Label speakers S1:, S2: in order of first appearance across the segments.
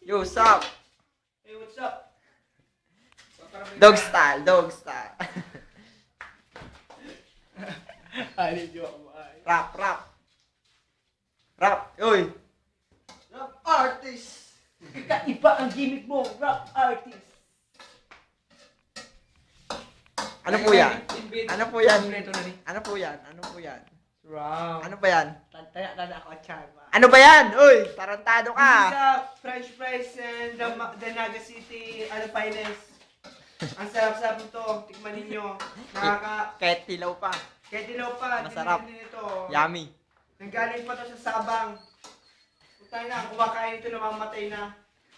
S1: Yo, what's up?
S2: Hey, what's up?
S1: Dog style, dog style.
S2: Ay, di ako ay.
S1: Rap, rap. Rap, uy.
S2: Rap artist! Kakaiba ang gimmick mo, rap artist!
S1: Ano po yan? Ano po yan?
S2: Kompleto na rin.
S1: Ano po yan? Ano po yan?
S2: Wow.
S1: Ano ba yan?
S2: Tanda ako, Charma.
S1: Ano ba yan? Uy, tarantado
S2: This is
S1: ka.
S2: French fries and the Naga City finest. Ang sarap-sarap nito. Tikman ninyo.
S1: Kahit tilaw pa.
S2: Kahit dilaw pa.
S1: Masarap.
S2: Din ito.
S1: Yummy.
S2: Nanggaling pa to sa Sabang. Putay na, kumakain ito, namamatay na.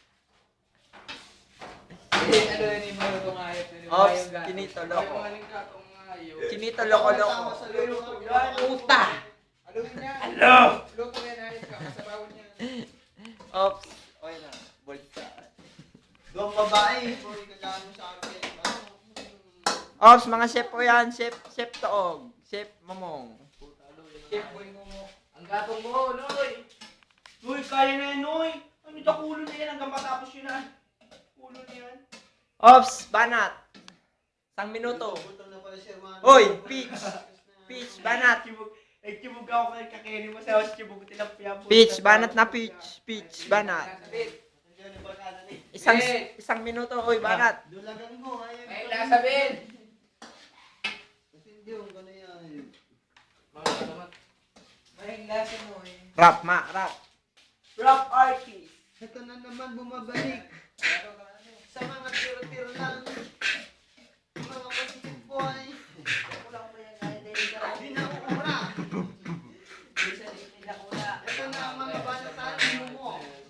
S3: Ano yun yung mga itong ayot?
S1: Ops, kinito, loko. Kinito, loko, loko.
S2: Puta!
S3: Aluin niya.
S2: Hello!
S3: Luto yan, ayos ka. Masabawon niya.
S1: Ops. Okay na. Bulsa.
S2: Doon babae, boy, kailangan mo sa akin.
S1: Ops, mga chef po yan. Chef Toog. Chef Momong.
S3: Chef boy mo mo. Ang gatong mo, Noy.
S2: Uy, kaya na yan, Noy. Ano ito, kulo na yan hanggang matapos yun na. Kulo na yan.
S1: Ops, banat. Isang minuto. Oy, Peach. Peach, banat.
S2: Nagtibog ako kay kakini mo sa house, tibog ko tilapia.
S1: Peach, banat na peach. Peach, banat.
S3: Nasabit.
S1: Isang minuto. Oy, banat.
S2: Dulagan mo, ayaw.
S3: May nasabit.
S2: Hindi yung gano'n yan.
S3: Mga salamat. May lasa mo eh.
S1: Rap, ma, rap.
S2: Rap artist.
S4: Ito na naman bumabalik sa mga tiro-tiro lang. Mga positive boy.
S2: Kulang pa yan, kaya dahil ka lang.
S4: Di na ura.
S2: Bisa din na kuna.
S4: Ito na ang mga banatanin mo.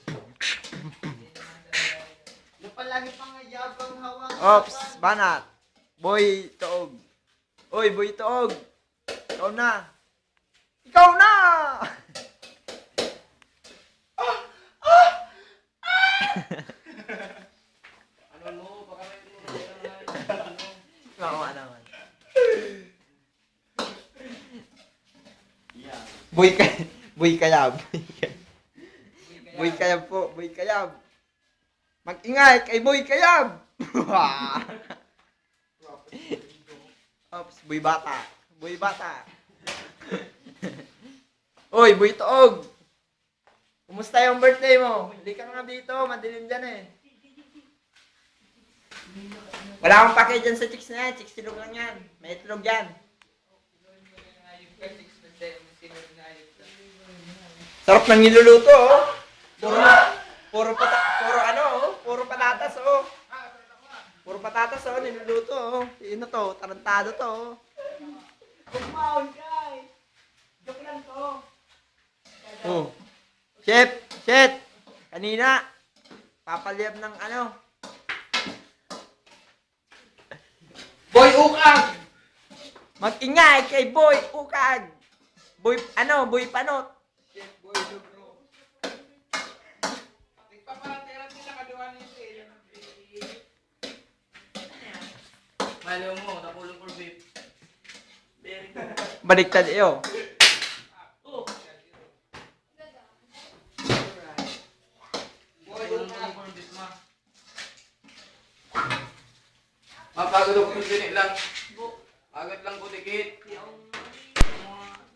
S4: Na palagi pang yabang hawang.
S1: Ops, banat. Boy, Toog. Oy, boy, Toog. Ikaw na. Ikaw na!
S3: Ano mo? Baka may mo.
S1: Makawa naman. Boy ka, boy kayab. Boy kayab po, boy kayab. Mag-ingay kay boy kayab. Ops, boy bata. Boy bata. Oy, boy Toog. Kumusta yung birthday mo? Hindi ka nga dito, madilim dyan eh. Wala akong pake dyan sa chicks na yan. Chicks silog lang yan. May itlog yan. Sarap ng niluluto, oh. Puro patatas, oh. Puro patatas, oh, niluluto, oh. Sino to? Tarantado to, oh.
S2: Kumaon, guys. Joke lang to.
S1: Oh. Chef, kanina, papaliyab ng ano.
S3: Boy Ukang!
S1: Mag-ingay kay Boy Ukag. Boy Panot.
S3: Chef Boy Lugro. Nagpapateran nila kaduan niya siya. Malo mo, nakulong for beef.
S1: Baliktad iyo.
S3: Boy Ukang for beef ma. Mapagod ako ng lang. Agad lang ko dikit.